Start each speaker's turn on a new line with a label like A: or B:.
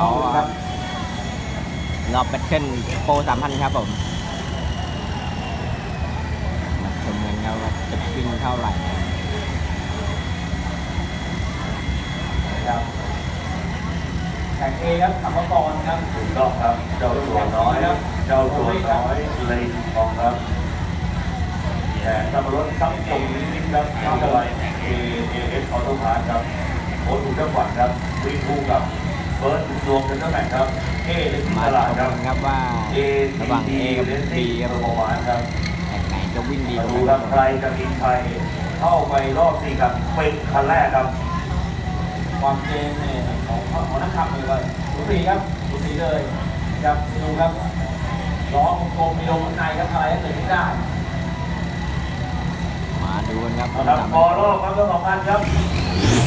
A: เขารอบแบทเทิลโปร3,000ครับผมมาชมกันครับว่าจะวิ่งเท่าไหร่
B: ครับแข่งเอครับขับมาก่อนครับ
C: ถูกต้องครับเจ้าตัวน้อยเจ้าตัวน้อยเลยทองครับแต่ตำรวจซับตรงนี้ครับเข้าไปAAS ออโต้พาร์ทครับโค้ชถูกจังหวัดครับวิ่งคู่กับเบิร์ดรวมกันตั้งแต่ครับเอเลนที่
A: มา
C: ต
A: ช
C: ลาด
A: ม
C: ครั
A: กับ นครับว่า
C: เอ
A: ระหว่าง A กับ
C: เลน
A: B
C: ที่
A: ครับ
C: ประ
A: ผม
C: มาณครับ
A: แข่งไหนจะวิ่งดีก
C: มา
A: ว่า
C: ดู
A: กัน
C: ครับใครจะมีใครเข้าไปรอบ4กับเป็นคันแรกครับ
B: ความเจนเนี่ยของนักขับเลยว่าสูสีครับสูสีเลยครับดูครับล้อกลมๆมีลมข้างในครับอะไรก็เกิดขึ้นได้
A: มาดูกันครับ
C: ครับพอรอบครับทั้ง2 คันครับ